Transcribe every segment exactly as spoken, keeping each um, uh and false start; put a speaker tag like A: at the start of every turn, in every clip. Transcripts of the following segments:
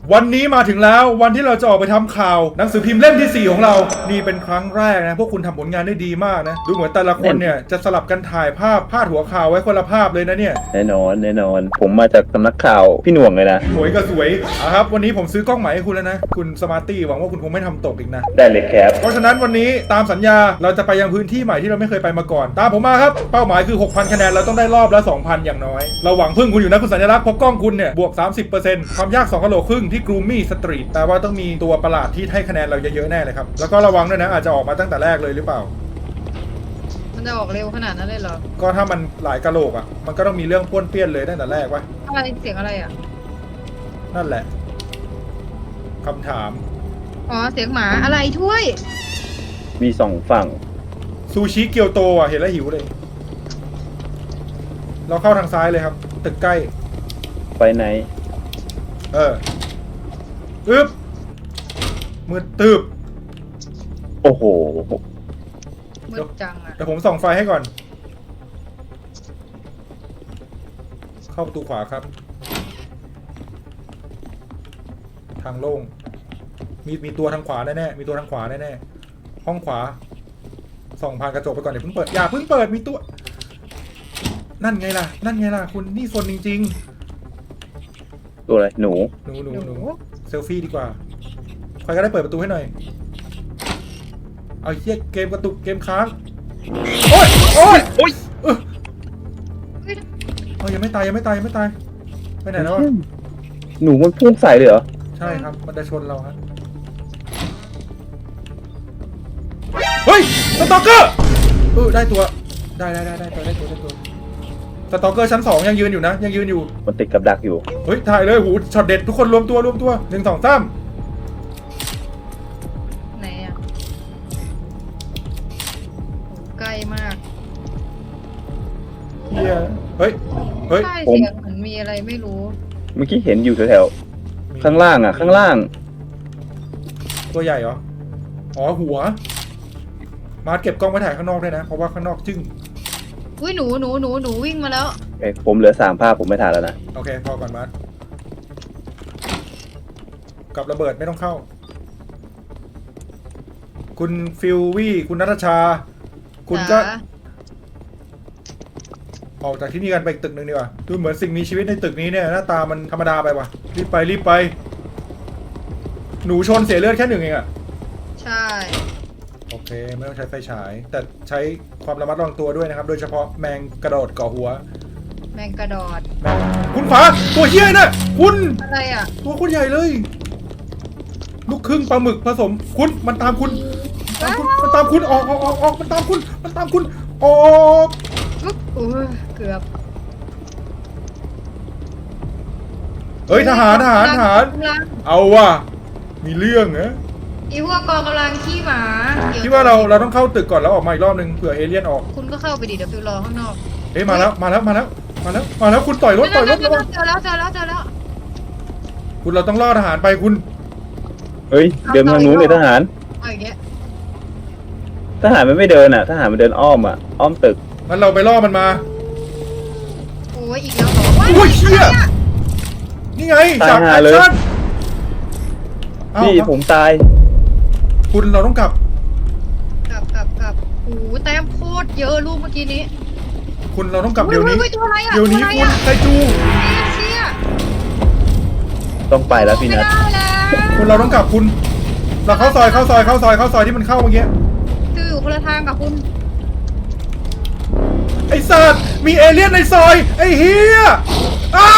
A: วันนี้มาถึงแล้ววันที่เราจะออกไปทำข่าวหนังสือพิมพ์เล่มที่สี่ของเรานี่เป็นครั้งแรกนะพวกคุณทำผลงานได้ดีมากนะดูเหมือนแต่ละคนเนี่ยจะสลับกันถ่ายภาพพาดหัวข่าวไว้คนละภาพเลยนะเนี่ย
B: แน่นอนแน่นอนผมมาจากสำนักข่าวพี่หน่วงเลยนะ
A: สวยก็สวยอ่ะครับวันนี้ผมซื้อกล้องใหม่ให้คุณแล้วนะคุณสมาร์ตี้หวังว่าคุณคงไม่ทำตกอีกนะ
B: ได้เลยครับ
A: เพราะฉะนั้นวันนี้ตามสัญญาเราจะไปยังพื้นที่ใหม่ที่เราไม่เคยไปมาก่อนตามผมมาครับเป้าหมายคือ หกพัน คะแนนเราต้องได้รอบละ สองพัน อย่างน้อยเราหวังพึ่งคุณอยู่นะคุณสัญลักษณ์เพราะกล้องคุณเนี่ยบวก สามสิบเปอร์เซ็นต์ ความยากสองกะโหลครึ่งที่กรูมี่สตรีทแปลว่าต้องมีตัวประหลาดที่ให้คะแนนเราเยอะๆแน่เลยครับแล้วก็ระวังด้วยนะอาจจะออกมาตั้งแต่แรกเลยหรือเปล่า
C: มันจะออกเร็วขนาดนั้นเลยเหรอ
A: ก็ถ้ามันหลายกะโหลกอ่ะมันก็ต้องมีเรื่องป้วนเปี้ยนเลยตั้งแต่แรกวะ
C: อะไรเสียงอะไรอ่ะ
A: นั่นแหละคำถาม
C: อ๋อเสียงหมาอะไรถ้วย
B: มีสองฝั่ง
A: ซูชิเกียวโตอ่ะเห็นแล้วหิวเลยเราเข้าทางซ้ายเลยครับตึกใกล้
B: ไปไหน
A: เอออึ๊บมืดตึบ
B: โอ้โห
C: มืดจังอ่ะ
A: เดี๋ยวผมส่องไฟให้ก่อนเข้าประตูขวาครับทางโล่งมีมีตัวทางขวาแน่ๆมีตัวทางขวาแน่ๆห้องขวาส่องผ่านกระจกไปก่อนเดี๋ยวเพิ่งเปิดอย่าเพิ่งเปิดมีตัวนั่นไงล่ะนั่นไงล่ะคุณนี่โซนจริง
B: ๆตัวอะไรหนู
A: หนูหนูหนูเซลฟี่ดีกว่าใครก็ได้เปิดประตูให้หน่อยเอาเหี้ยเกมกระตุกเกมค้างโอ๊ยโอ๊ยโอ๊ยเออเออยังไม่ตายยังไม่ตายยังไม่ตายไปไหนแล้ว
B: หนูมันพุ่งใส่เลยเหรอ
A: ใช่ครับมันจะชนเราครับเฮ้ยสตอกเกอร์เออได้ตัวได้ได้ได้ได้ตัวได้ตัวได้ตัวสตอกเกอร์ชั้นสองยังยืนอยู่นะยังยืนอยู่
B: มันติดกับดักอยู่
A: เฮ้ยถ่ายเลยหูช็อตเด็ดทุกคนรวมตัวรวมตัวหนึ่งสองสาม
C: ไหนอ่ะใกล้มาก
A: เฮียเฮ้ยเฮ้ย
C: ใช่เสียงเหมือนมีอะไรไม่รู้
B: เมื่อกี้เห็นอยู่แถวๆข้างล่างอ่ะข้างล่าง
A: ตัวใหญ่เหรออ๋อหัวมาเก็บกล้องไว้ถ่ายข้างนอกด้วยนะเพราะว่าข้างนอกจึ้ง
C: อุ้ยหนูหนูหนูหนูวิ่งมาแล้ว
B: เอ้ยผมเหลือสามภาพผมไม่ถ่ายแล้วนะ
A: โอเคพอก่อนมากับระเบิดไม่ต้องเข้าคุณฟิลวี่คุณนัทชาคุณก็ออกจากที่นี่กันไปอีกตึกหนึ่งดีกว่าดูเหมือนสิ่งมีชีวิตในตึกนี้เนี่ยหน้าตามันธรรมดาไปว่ะรีบไปรีบไปหนูชนเสียเลือดแค่หนึ่งเองอะ
C: ใช่
A: โอเคไม่ต้องใช้ไฟฉายแต่ใช้ความระมัดระวังตัวด้วยนะครับโดยเฉพาะแมงกระโดดเกาะหัว
C: แมงกระโดด
A: คุณฟ้าตัวเหี้ยน่ะคุณ
C: อะไรอ่ะ
A: ตัวคุณใหญ่เลยลูกครึ่งปลาหมึกผสมคุณมันตามคุณมันตามคุณออกออกออกออกมันตามคุณมันตามคุณออก
C: อุ๊ยเกือบ
A: เฮ้ยทหารทหารทหารเอาว่ะมีเรื่องเหรอ
C: อีพวกกองกำลังขี้หมา
A: คิดว่าเราเราต้องเข้าตึกก่อนแล้วออกมาอีกรอบนึงเผื่อเอเลี่ยนออก
C: คุณก็เข้าไปดิเดี๋ยวฟิวรอข้างนอก
A: เฮ้ยมาแล้วมาแล้วมาแล้วมาแล้วมาแล้วคุณต่อยรถต่อยรถ
C: เจอแล้วเจอแล้วเจอแล้วเจอแล้ว
A: คุณเราต้องล่อทหารไปคุณ
B: เฮ้ยเดินทางนู้นเลยทหาร
C: เอาอย่างเงี้ย
B: ทหารมันไม่เดินอ่ะทหารมันเดินอ้อมอ่ะอ้อมตึก
A: งั้นเราไปล่อมันมา
C: โอ้ยอีกแล้วเหรอ
A: โอ้ยเชี่ยนี่ไงจากแอคชั่น
B: พี่ผมตาย
A: คุณเราต้องกลับ
C: กลับกลับกลับโอ้แต้มโคตรเยอะลูกเมื่อกี้นี้
A: คุณเราต้องกลับเดี๋ยวนี้
C: เ
A: ดี๋ยวนี้คุณไซจู
C: เชี่ย
B: ต้องไปแล้วพี่นัท
A: คุณเราต้องกลับคุณเราเข้าซอยเข้าซอยเข้าซอยเข้าซอยที่มันเข้าเมื่อกี้
C: คืออยู่คนละทางกับคุณ
A: ไอ้สัตว์มีเอเลี่ยนในซอยไอ้เฮียไอ้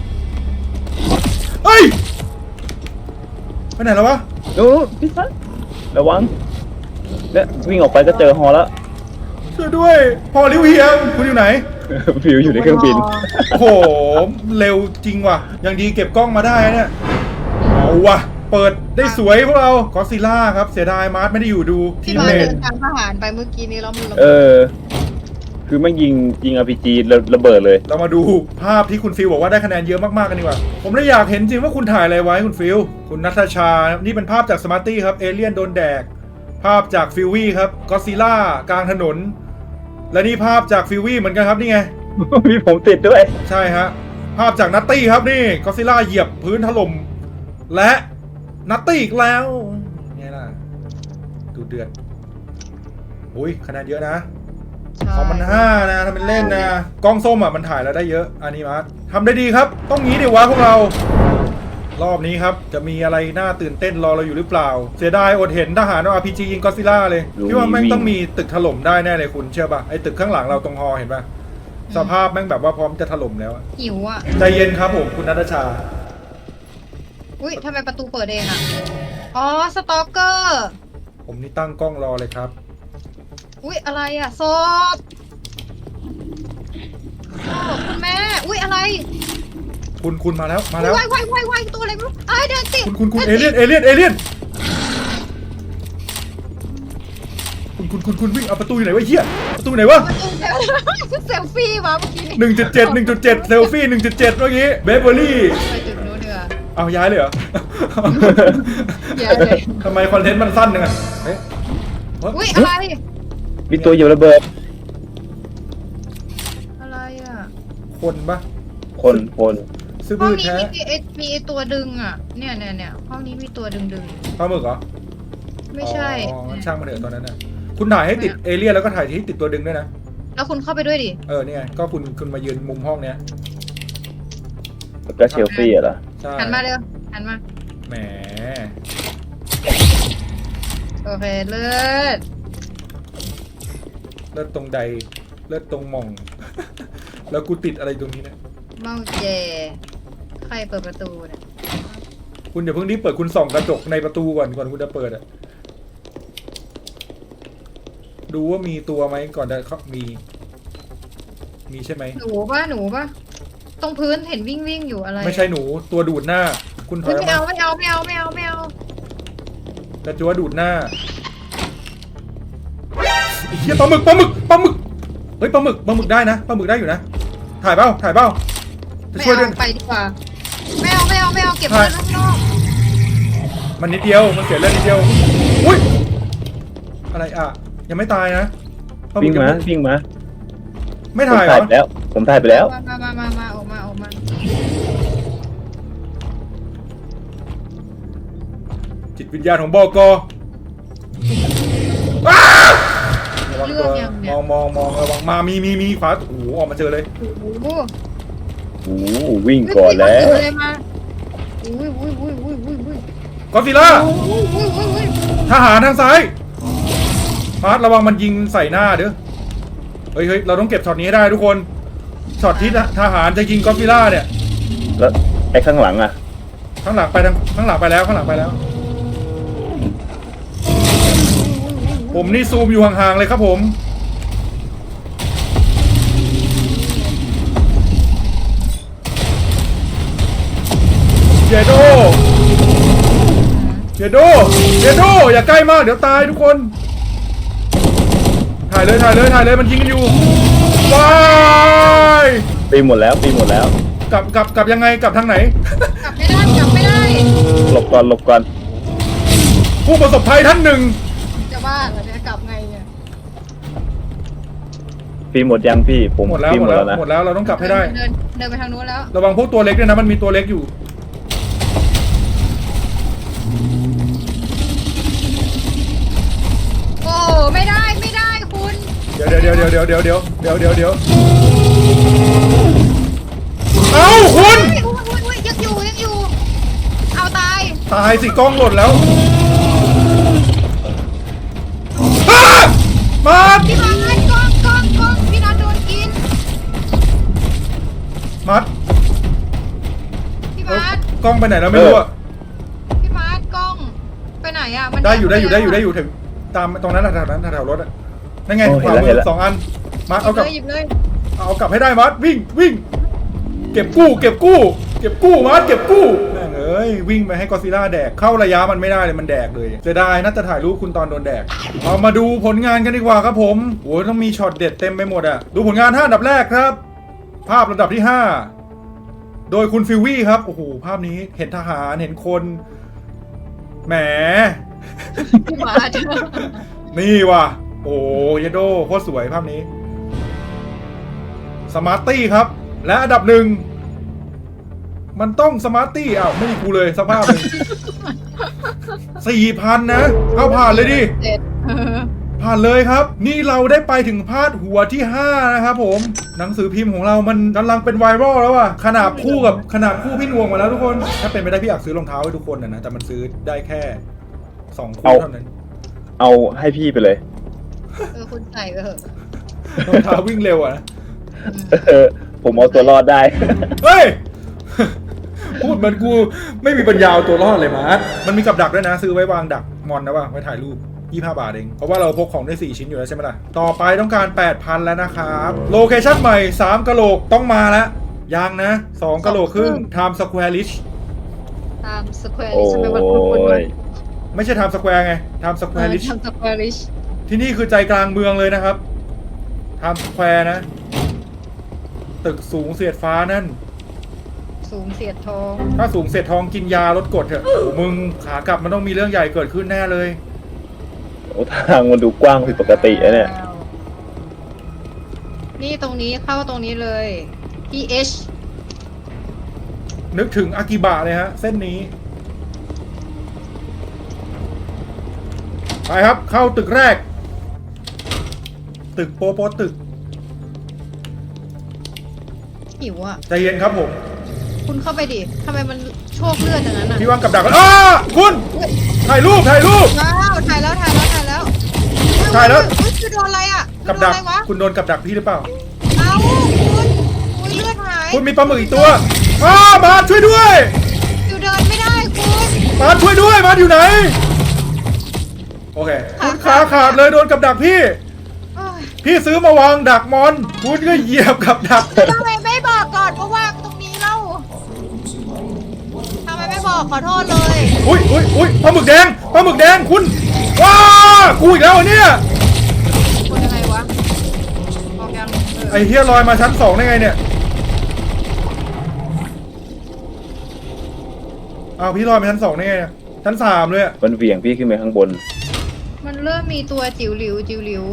A: ไอ้ไปไหนแล้ววะ
B: ดูพี่นัทระวังเนี่ยวิ่งออกไปก็เจอฮอแล้ว
A: ช่วยด้วยพอริวเฮียคุณอยู่ไหน
B: ฟิวอยู่ในเครื่องบิน
A: โอ้โหเร็วจริงว่ะยังดีเก็บกล้องมาได้เนี่ยเอาว่ะเปิดได้สวยพวกเราก็ซิล่าครับเสียดายมาร์ทไม่ได้อยู่ดู
C: ที่มาเดินทางทหารไปเมื่อกี้นี้เรามัน
B: เออคือไม่ยิงยิง อาร์ พี จี ระเบิดเลย
A: เรามาดูภาพที่คุณฟิลบอกว่าได้คะแนนเยอะมากๆกันดีกว่าผมเลยอยากเห็นจริงว่าคุณถ่ายอะไรไว้คุณฟิลคุณนัทชานี่เป็นภาพจากสมาร์ตี้ครับเอเลี่ยนโดนแดกภาพจากฟิลวี่ครับก็ซิล่ากลางถนนและนี่ภาพจากฟิลวี่เหมือนกันครับนี่ไง
B: มีผมติดด้วย
A: ใช่ฮะภาพจากนัตตี้ครับนี่ก็ซิล่าเหยียบพื้นถล่มและนัตตี้อีกแล้วไงล่ะดูเดือดอุ้ยคะแนนเยอะนะ
C: ใช่
A: ของมันห้านะทำเป็นเล่นนะกล้องส้มอ่ะมันถ่ายแล้วได้เยอะอันนี้มาร์ททำได้ดีครับ ต้องงี้ดิวะพวกเรา รอบนี้ครับจะมีอะไรน่าตื่นเต้นรอเราอยู่หรือเปล่า เสียดายอดเห็นทหารอาร์พีจียิงก็อดซิลล่าเลยพี่ว่าแม่งต้องมีตึกถล่มได้แน่เลยคุณเชื่อป่ะไอ้ตึกข้างหลังเราตรงฮอเห็นป่ะสภาพแม่งแบบว่าพร้อมจะถล่มแล้วอะ
C: หิวอ่ะ
A: ใจเย็นครับผมคุณนัทชา
C: อุ้ยทำไมประตูเปิดเองอ่ะ อ๋อ สตอกเกอร์
A: ผมนี่ตั้งกล้องรอเลยครับ
C: อุ้ยอะไรอ่ะศพศพคุณแม่ อุ้ยอะไร
A: คุณคุณมาแล้วมาแล้ว
C: วายวายวายวายตัวอะไรไม่รู้ไอ้ยเดินติด
A: คุณคุณคุณ
C: ดิ
A: เอเลี่ยนเอเลี่ยนเอเลี่ยนคุณคุณคุณคุณวิ่งเอาประตูอยู่ไหนวะไอ้เหี้ยประตูไหนวะ
C: ประตูเดี๋ยวเซลฟี่มาเมื่อกี้
A: หนึ่งจุดเจ็ดหนึ่งจุดเจ็ดเซลฟี่หนึ่งจุดเจ็ดเมื่อกี้เบเบอรี่
C: ไปจุดนู้นเดือ
A: เอาย้ายเลยเหรอ
C: ย้ายเลย
A: ทำไมคอนเทนต์มันสั้นจังอะเอ๊ะ
C: อุ้ยอะไร
B: มีตัวอยู่ระเบิด
C: อะไรอ่ะ
A: คนปะ
B: คนคน
A: ซื้อ
C: ห้อ
A: บื้
C: ง
A: อ
C: นี้
A: แท้
C: มีไอมีไอตัวดึงอ่ะ เนี่ยเนี่ยเนี่ยห้องนี้มีตัวดึงดึง
A: ปลาหมึกเหรอ
C: ไม่ใช่
A: อ๋องั้นช่างมาเถอะตอนนั้นนะคุณถ่ายให้ติดเอเลี่ยนแล้วก็ถ่ายที่ติดตัวดึงด้วยนะ
C: แล้วคุณเข้าไปด้วยดิ
A: เออนี่ไงก็คุณคุณมายืนมุมห้องเนี้ย
B: แล้วก็เชลฟี่อะเหรอ
A: ใช่
C: หันมาเร็วหันมา
A: แหม
C: โอเคเลิศ
A: เลือดตรงใดเลือดตรงหม่อง แล้วกูติดอะไรตรงนี้เนี่ย
C: เมาเจ ใครเปิดประตูเนี่ย
A: คุณอย่าเพิ่งรีบเปิดคุณส่องกระจกในประตูก่อนก่อนคุณจะเปิดอะดูว่ามีตัวไหมก่อนจะเข้ามี มีใช่ไหม
C: หนูป่ะหนูป่ะตรงพื้นเห็นวิ่งวิ่งอยู่อะไร
A: ไม่ใช่หนูตัวดูดหน้า คุณถอ
C: เฮ้
A: ย
C: ย
A: ออก
C: ไม่
A: มา
C: เอาไม่เอาไม่เอาไม่เอาไม่เอา
A: กระจัวดูดหน้าไอ้เหี้ยปลาหมึกปลาหมึกปลาหมึกเฮ้ยปลาหมึกปลาหมึกได้นะปลาหมึกได้อยู่นะถ่ายเปล่าถ่ายเปล่าจะ
C: ไม่
A: ช่วยด้วย
C: เอาไปดีกว่าไม่เอาไม่เอาไม่เอาเก็บไว้ข้างนอก
A: มันนิดเดียวมันเสียเลือดนิดเดียวอุ้ยอะไรอ่ะยังไม่ตายนะปลาหมึ
B: วิ่
A: ก
B: ง
A: ยัง
B: มา
A: ไม่
B: วิ่งมา
A: ไม่
B: ผม
A: ถ่ายเหร
B: ถ่าย
A: อ
B: ไปแล้ว ผมถ่ายไปแล้ว
C: มามามามามาออกมาออกมา
A: จิตวิญญาณของบอกออ้าระวังตัวมองมองมองระวังมามีมีมีขวาโอ้โหออกมาเจอเลย
C: โอ้โห
B: โอ้โหวิ่งก่อนแล้ว
C: อุ้ยเลยมาอุ้ยอุ้ยอุ้ยอุ้ยอุ้ยอุ้ย
A: กอดซิลล่า
C: อุ้ยอุ้ยอุ้ยอุ้ย
A: ทหารทางซ้ายมาร์ทระวังมันยิงใส่หน้าเด้อเฮ้ยเฮ้ยเราต้องเก็บช็อตนี้ให้ได้ทุกคนช็อตที่ทหารจะยิงกอดซิลล่าเนี่ย
B: แล้วไอ้ข้างหลังอะ
A: ข้างหลังไปทางข้างหลังไปแล้วข้างหลังไปแล้ว ผมนี่ซูมอยู่ห่างๆเลยครับผมเจโดเจโดเจโดอย่าใกล้มากเดี๋ยวตายทุกคนถ่ายเลยถ่ายเลยถ่ายเลยมันยิงกันอยู่ว้าย
B: ปีหมดแล้วปีหมดแล้ว
A: กลับกลับกลับยังไงกลับทางไหน
C: กลับไม่ได้กลับไม่ได้
B: หลบก่อนหลบก่อน
A: ผู้ประสบภัยท่านหนึ่ง
C: จะบ้าเหรอจะกลับไงเนี่ย
B: ปีหมดยังพี่ผม
A: หมดแล้ว
B: ปี
A: หมดแล้ว
B: นะ
A: หมดแล้วเราต้องกลับให้ได้
C: เดินเดินไปทางนู้นแล้ว
A: ระวังพวกตัวเล็กด้วยนะมันมีตัวเล็กอยู่
C: โอ้ไม่ได้ไม่ได้คุณ
A: เดี๋ยวเดี๋ยวเดี๋ยวเดี๋ยวเดี๋ยวเดี๋ยวเดี๋ยวเดี๋ยวเดี๋ยวเอ้าคุณ
C: อุ้ยอุ้ยอุ้ยยังอยู่ยังอยู่ เอาตาย
A: ตายสิกล้องหล่นแล้วอ้ามา
C: พี่บอลกล้องกล้องกล้องพี่นัทโดนกิน
A: มัด
C: พี่
A: เอ้ย
C: มาร์ท
A: กล้องไปไหนแล้วไม่รู้อะ
C: พี่มาร์ทกล้องไปไหนอ่ะมัน
A: ได้อยู่ได้อยู่ได้อยู่ได้
C: อ
A: อยู่ถึงตามตรงนั้นแถวนั้นแถวรถอะนั่นไง
B: โอ้
A: ขวา
B: เห็นแล้ว
A: มื
B: เห็น
A: อ
B: แล้ว
A: สองอันมาเอากลับ
C: หยิบเลย
A: เอากลับให้ได้มัดวิ่งวิ่งเก็บกู้เก็บกู้เก็บกู้มัดเก็บกู้แม่งเอ้ยวิ่งไปให้กอดซิลล่าแดกเข้าระยะมันไม่ได้เลยมันแดกเลยเสียดายน่าจะถ่ายรูปคุณตอนโดนแดกเอามาดูผลงานกันดีกว่าครับผมโอ้ยต้องมีช็อตเด็ดเต็มไปหมดอะดูผลงานห้าอันดับแรกครับ ภาพระดับที่ห้าโดยคุณฟิววี่ครับโอ้โหภาพนี้เห็นทหารเห็นคนแหม
C: พี่มาร์ท
A: นี่ว่ะโอ้ยโดโคตรสวยภาพนี้สมาร์ตี้ครับและอันดับหนึ่งมันต้องสมาร์ตี้อ้าวไม่มีกูเลยสภาพเลยสี่พันนะเอาผ่านเลยดิ
C: เจ็ด
A: ผ่านเลยครับ นี่เราได้ไปถึงพาดหัวที่ห้านะครับผมหนังสือพิมพ์ของเรามันกำลังเป็นไวรัลแล้วอะขนาดคู่กับขนาดคู่พี่นวงมาแล้วทุกคนถ้าเป็นไปได้พี่อยากซื้อรองเท้าให้ทุกคนนะนะแต่มันซื้อได้แค่สองคู่เท่านั้น
B: เอาให้พี่ไปเลย
C: เออคุณใส่ไปเถอะ
A: รองเท้าวิ่งเร็วอะนะ
B: เออผมเอาตัวรอดได้
A: เฮ้ย พูดเหมือนกูไม่มีปัญญาเอาตัวรอดเลยมาร์ทมันมีกับดักด้วยนะ ซื้อไว้วางดักมอนนะว่าไว้ถ่ายรูปยี่สิบห้าบาทเองเพราะว่าเราพกของได้สี่ชิ้นอยู่แล้วใช่ไหมล่ะต่อไปต้องการ แปดพัน แล้วนะครับโลเคชั่นใหม่สามกะโหลกต้องมาแล้วยังนะสองกะโหลกครึ่ง Time Square Rich
C: ตามสแควร์
B: โอ้
C: ลิชทำไมมันคุ้นๆวะ
B: ย
A: ไม่ใช่ Time Square ไง Time Square Rich
C: ทำสแควร์ลิช
A: ที่นี่คือใจกลางเมืองเลยนะครับ Time Square นะ ตึกสูงเสียดฟ้านั่น
C: สูงเสียดทอง
A: ถ้าสูงเสียดทองกินยาลดกรดเถอะโอ้มึงขากลับมันต้องมีเรื่องใหญ่เกิดขึ้นแน่เลย
B: โอ้ทางมันดูกว้างผิดปกติอะเนี่ย
C: นี่ตรงนี้เข้าตรงนี้เลย พี เอช
A: นึกถึงอากิบะเลยฮะ เส้นนี้ ไปครับเข้าตึกแรก ตึกโปโปตึก
C: หิวอ่ะ
A: ใจเย็นครับผม
C: คุณเข้าไปดิทำไมมันโชคเลือดอย่างนั้นอ่ะ
A: พี่วางกับดักแล้วอ้าคุณถ่ายรูปถ่ายรูป
C: ว้าวถ่ายแล้วถ่ายแล้วถ่ายแล้ว
A: ถ่ายแล้ว
C: เฮ้ยคือโดนอะไรอ่ะ
A: กับ
C: โดน
A: ดัก
C: อะไรวะ
A: คุณโดนกับดักพี่หรือเปล่า
C: เอ้าคุณอุ้ยเลือดหาย
A: คุณมีปลาหมึกอีกตัวอ้าบาสช่วยด้วย
C: อยู่เดินไม่ได้คุณ
A: บาสช่วยด้วยบาสอยู่ไหนโอเคคุณขาขาดเลยโดนกับดักพี่
C: เอ้ย
A: พี่ซื้อมาวางดักมอนคุณก็เหยียบกับดัก
C: ทำไมไม่บอกก่อนว่าวางตรงนี้เล่าทำไมไม่บอกขอโทษเลย
A: อุ้ยอุ้ยอุ้ยปลาหมึกแดงปลาหมึกแดงคุณว้ากูอีกแล้วเหรอเนี่ย
C: คนยังไงวะบอกยังเอ
A: ไอ้
C: อ
A: เฮียลอยมาชั้นสองได้ไงเนี่ยอ้าวพี่ลอยมาชั้นสองได้ไงอะชั้นสามเลยอะ
B: มันเหวี่ยงพี่ขึ้นไปข้างบน
C: มันเริ่มมีตัวจิ๋วหลิวจิ๋วหลิว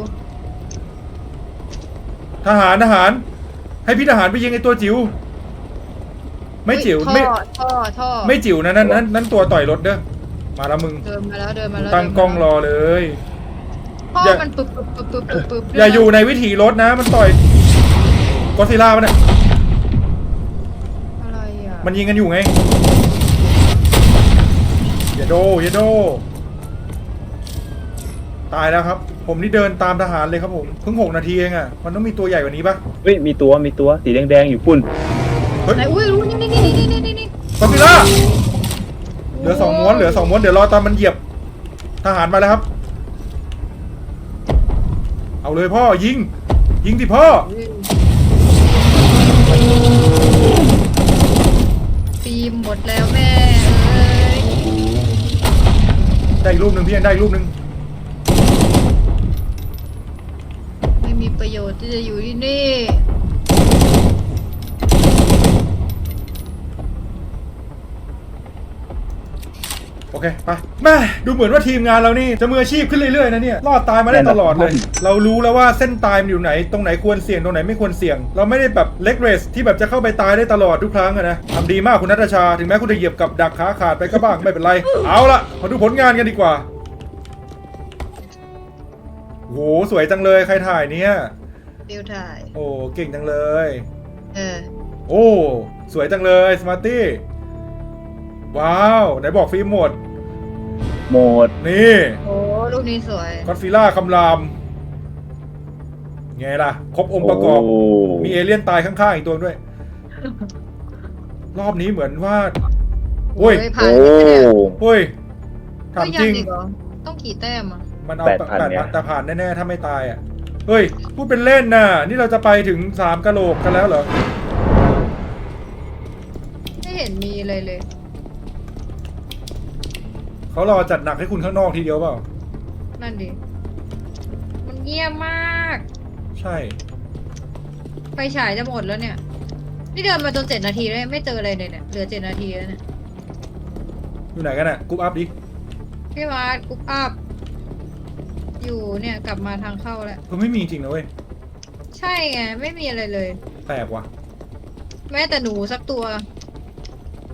A: ทหารทหาร ให้พี่ทหารไปยิงไอ้ตัวจิ๋วไม่จิ๋ว
C: ท่อ
A: ไม่
C: ท่อท่อ
A: ไม่จิ๋วนะนั่นนั่นนั่นตัวต่อยรถเด้อมาแล้วมึง
C: เดินมาแล้วเดินมาแล้ว
A: ตั้งกล้องรอเลย
C: ท่อ
A: อย่า
C: มันปึ๊บปึ๊บปึ๊บปึ๊บปึ๊บปึ๊บ
A: อย่าอยู่ในวิถีรถนะมันต่อยกอซิล่ามันเนี่ย
C: อะไรอ่ะ
A: มันยิงกันอยู่ไงอย่าโดอย่าโดตายแล้วครับ ผมนี่เดินตามทหารเลยครับผมเพิ่งหกนาทีเองอ่ะมันต้องมีตัวใหญ่กว่านี้ปะ
B: เฮ้ยมีตัวมีตัวสีแดงๆอยู่ปุ่น
A: เฮ้ย
C: ไหนอุ้ยรู้นี่นี่นี่นี่นี่นี่นี่
A: กอซิล่าเหลือสองม้วนเหลือสองม้วนเดี๋ยวรอตอนมันเหยียบทหารมาแล้วครับ เอาเลยพ่อยิง ยิงสิพ่อ
C: ฟิล์มหมดแล้วแม่เอ้ย
A: ได้อีกรูปหนึ่งพี่ยังได้อีกรูปหนึ่ง
C: ไม่มีประโยชน์ที่จะอยู่ที่นี่
A: โอเคไปแม่ดูเหมือนว่าทีมงานเรานี่จะมืออาชีพขึ้นเรื่อยๆนะเนี่ยรอดตายมาได้ตลอดเลย เรารู้แล้วว่าเส้นตายมันอยู่ไหนตรงไหนควรเสี่ยงตรงไหนไม่ควรเสี่ยง เราไม่ได้แบบเล็กเรสที่แบบจะเข้าไปตายได้ตลอดทุกครั้งอะนะทำดีมากคุณนัทชาถึงแม้คุณจะเหยียบกับดักขาขาดไปก็บ้างไม่เป็นไรเอาละมาดูผลงานกันดีกว่าโหสวยจังเลยใครถ่ายเนี่ย
C: ฟิลถ่าย
A: โอ้เก่งจังเลย
C: เออ
A: โอ้สวยจังเลยสมาร์ตี้ว้าวไหนบอกฟิล์มหมด
B: หมด
A: นี่
C: โอ้รูปนี้สวย
A: ก็อดฟิลล่าคำรามไงล่ะ ครบองค์ประกอบ
B: โอ้
A: มีเอเลี่ยนตายข้างๆอีกตัวด้วย รอบนี้เหมือนว่าโอ้ย
C: เฮ้ผ่า
B: โอ้
C: นไปเนี่ย
A: โอ้ยถาม
C: ก็
A: จ
C: ยั
A: ริง
C: อีกเหรอต้องกี่แต้มอ่ะ
A: มันเอา
B: แป
A: แป
B: ด
A: ด
B: พัน
A: พัน
B: เนี่ย
A: แต่ผ่านแน่ๆถ้าไม่ตายอ่ะ เฮ้ย พูดเป็นเล่นน่ะ นี่เราจะไปถึงสามกะโหลกกันแล้วเหรอ
C: ไม่เห็นมีเลยเลย
A: เขารอจัดหนักให้คุณข้างนอกทีเดียวเปล่า
C: นั่นดิ มันเงียบมาก
A: ใช่
C: ไฟฉายจะหมดแล้วเนี่ย นี่เดินมาจนเจ็ดนาทีแล้วไม่เจออะไรเลยเนี่ย เหลือเจ็ดนาทีแล้วเนี่ย
A: อยู่ไหนกันอ่ะกรุ๊ปอัพดิ
C: พี่มาร์ทกรุ๊ปอัพ อยู่เนี่ยกลับมาทางเข้าแล้ว
A: ก็ไม่มีจริงนะเว้ย
C: ใช่ไง ไม่มีอะไรเลย
A: แปลกว่ะ
C: แม้แต่หนูสักตัว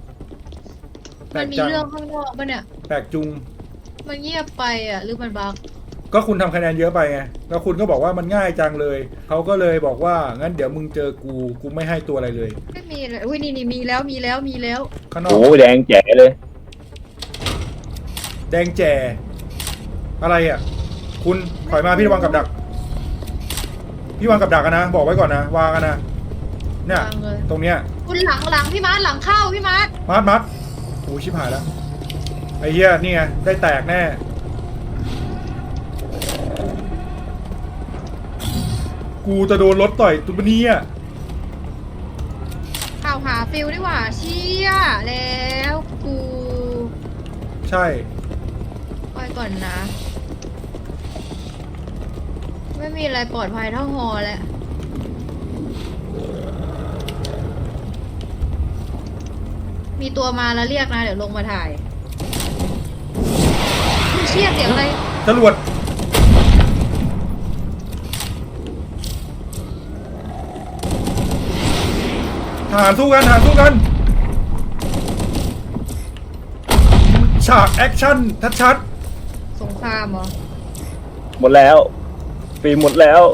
A: แปล
C: มัน
A: ก
C: มี
A: จัง
C: เรื่องข้างนอกปะเนี่ย
A: แปลกจุง
C: มันเงียบไปอ่ะหรือมันบั๊ก
A: ก็คุณทำคะแนนเยอะไปไงแล้วคุณก็บอกว่ามันง่ายจังเลยเขาก็เลยบอกว่างั้นเดี๋ยวมึงเจอกูกูไม่ให้ตัวอะไรเลย
C: ไม่มีเลยอุ้ยนี่นี่มีแล้วมีแล้วมีแล้ว
A: ข้างนอ
B: โอ้
A: ก
B: แดงแจ๋เลย
A: แดงแจ่อะไรอ่ะ คุณถอยมาพี่ระวังกับดัก พี่วางกับดักกันนะ บอกไว้ก่อนนะวางกันนะเนี่ยว
C: างเลย
A: ตรงเนี้ย
C: คุณหลังหลังพี่มาร์ทหลังเข้าพี่มาร์ท
A: มัดมัดโอ้ยชิบหายแล้วไอ้เหี้ยนี่ไงได้แตกแน่กูจะโดนรถต่อยตุ๊บนี้อ่ะ
C: ข่าวหาฟิลดีกว่าเชี่ยแล้วกู
A: ใช่
C: ไปก่อนนะ ไม่มีอะไรปลอดภัยเท่าฮอแล้วมีตัวมาแล้วเรียกนะ เดี๋ยวลงมาถ่ายเชี่ยเสียงอะไร
A: จรวดทหารสู้กันทหารสู้กันฉากแอคชั่นชัด
C: สงครามเหรอ
B: หมดแล้วฟิล์มหมดแล้ว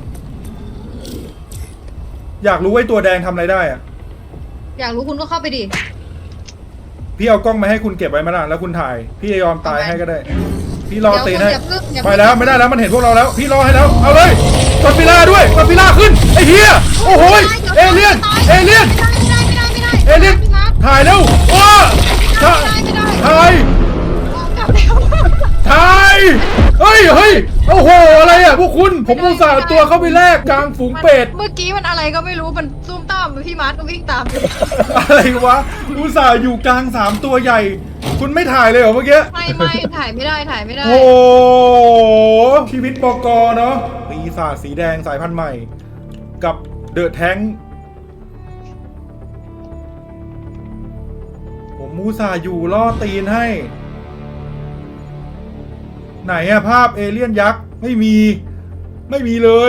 A: ๆอยากรู้ว่าไอ้ตัวแดงทำอะไรได้อะ
C: อยากรู้คุณก็เข้าไปดิ
A: พี่เอากล้องมาให้คุณเก็บไว้ไหมล่ะแล้วคุณถ่าย พี่จะยอมตายให้ก็ได้ พี่รอตีนให้
C: เดี๋ยวคุณอย่าเพิ่งอย่า
A: ไป
C: เพิ่ง
A: แล้วไม่ได้แล้วมันเห็นพวกเราแล้ว พี่รอให้แล้วเอาเลยกดฟิล่าด้วยกดฟิล่าขึ้นไอ้เหี้ยโอ้โหยเอเลี่ยนเอเลี่ยน
C: ไม่ได้ไม่ได้ไม่ได้
A: เอ
C: ไม่ได้
A: เลี่ยน
C: พี่มาร์ค
A: ถ่ายเร็วโอ้ถ่าย
C: ไม่ได้
A: ถ่าย
C: กลับแล้ว
A: ถ่ายเฮ้ยเฮ้ยโอ้โหอะไรอ่ะพวกคุณผมอุตส่าห์เอาตัวเข้าไปแลกกลางฝูงเป็ด
C: เมื่อกี้มันอะไรก็ไม่รู้มันซุ่มตามพี่มาร์ทก็วิ่งตามอยู่
A: อะไรวะอุตส่าห์อยู่กลางสามตัวใหญ่ คุณไม่ถ่ายเลยเหรอเมื่อกี้
C: ไม่ไม่ถ่ายไม่ได้ถ่ายไม่ได้
A: โอ้โหชีวิตบกเนาะปีศาจสีแดงสายพันธุ์ใหม่ กับเดอะแทงผมมูซาห์อยู่ล่อตีนให้ ไหนอะภาพเอเลี่ยนยักษ์ ไม่มี ไม่มีเลย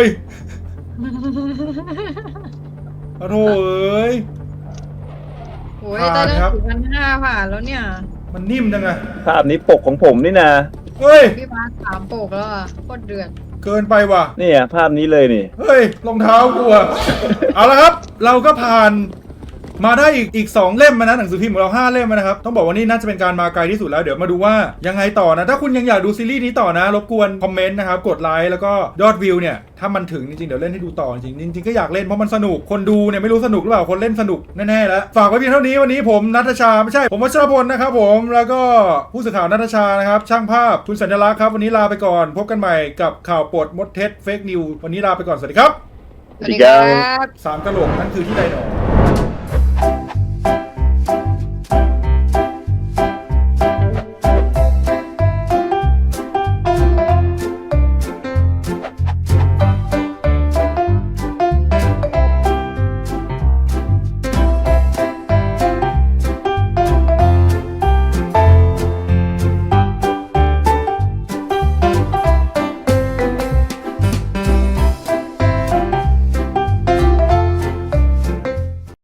A: โอ้โหเอ้ย
C: โอ้ย
A: ผ่าน
C: ตอนนั้น
A: ครับ
C: ถึงพันห้าผ่านแล้วเนี่ย
A: มันนิ่มจังอะ
B: ภาพนี้ปกของผมนี่นะ
A: เฮ้ย
C: พี่มาร์ทสามโปกแล้วอ่ะโคตรเดือด
A: เกินไปว่ะ
B: เนี่ยภาพนี้เลยนี่
A: เฮ้ยรองเท้ากูอะ เอาละครับ เราก็ผ่านมาได้อีกอีกสองเล่มมานะหนังสือพิมพ์ของเราห้าเล่มนะครับ ต้องบอกว่านี่น่าจะเป็นการมาไกลที่สุดแล้วเดี๋ยวมาดูว่ายังไงต่อนะ ถ้าคุณยังอยากดูซีรีส์นี้ต่อนะ รบกวนคอมเมนต์นะครับกดไลค์แล้วก็ยอดวิวเนี่ยถ้ามันถึงจริงๆเดี๋ยวเล่นให้ดูต่อจริงๆจริงๆก็อยากเล่นเพราะมันสนุกคนดูเนี่ยไม่รู้สนุกหรือเปล่าคนเล่นสนุกแน่ๆแล้วฝากไว้เพียงเท่านี้วันนี้ผมณัฐชาไม่ใช่ผมวัชรพลนะครับผมแล้วก็ผู้สื่อข่าวณัฐชานะครับช่างภาพคุณสัญลักษณ์ครับวันนี้ลาไปก่อนพบกันใหม่กับข่าวปลดมดเท็จเฟกนิววันนี้ลาไปก่อนสวัสดีครับ
B: สวัสดีครับ
A: สามกะโหลกนั่นคือที่ใดหนอ